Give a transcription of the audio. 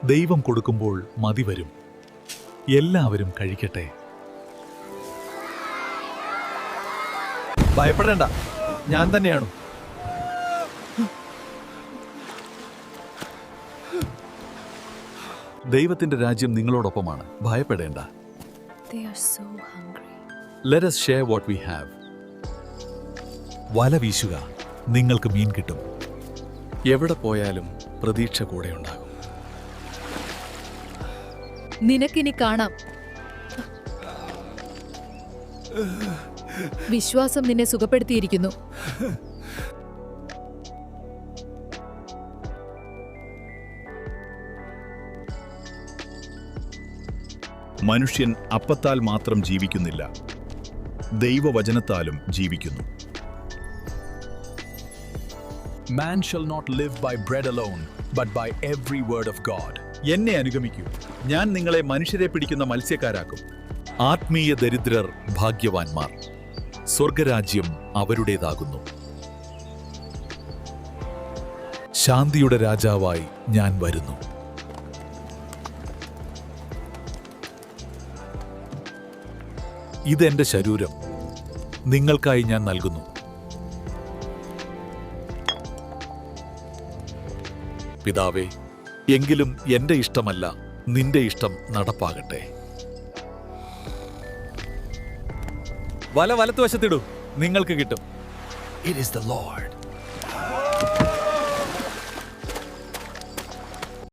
ദൈവം കൊടുക്കുമ്പോൾ മതി വരും. എല്ലാവരും കഴിക്കട്ടെ. ഭയപ്പെടേണ്ട, ഞാൻ തന്നെയാണ്. ദൈവത്തിന്റെ രാജ്യം നിങ്ങളോടൊപ്പമാണ്. ഭയപ്പെടേണ്ട. They are so hungry. Let us share what we have. വല വീശുക, നിങ്ങൾക്ക് മീൻ കിട്ടും. എവിടെ പോയാലും പ്രതീക്ഷ കൂടെ ഉണ്ടാകും. നിനക്കിനി കാണാം. വിശ്വാസം നിന്നെ സുഖപ്പെടുത്തിയിരിക്കുന്നു. മനുഷ്യൻ അപ്പത്താൽ മാത്രം ജീവിക്കുന്നില്ല, ദൈവവചനത്താലും ജീവിക്കുന്നു. Man shall not live by bread alone, but by every word of God. എന്നെ അനുഗമിക്കൂ, ഞാൻ നിങ്ങളെ മനുഷ്യരെ പിടിക്കുന്ന മത്സ്യക്കാരാക്കും. ആത്മീയ ദരിദ്രർ ഭാഗ്യവാന്മാർ, സ്വർഗരാജ്യം അവരുടേതാകുന്നു. ശാന്തിയുടെ രാജാവായി ഞാൻ വരുന്നു. ഇതെന്റെ ശരീരം, നിങ്ങൾക്കായി ഞാൻ നൽകുന്നു. പിതാവേ, എങ്കിലും എന്റെ ഇഷ്ടമല്ല, നിന്റെ ഇഷ്ടം നടപ്പാകട്ടെ. വല വലത്തുവശത്തിടൂ, നിങ്ങൾക്ക് കിട്ടും. It is the Lord.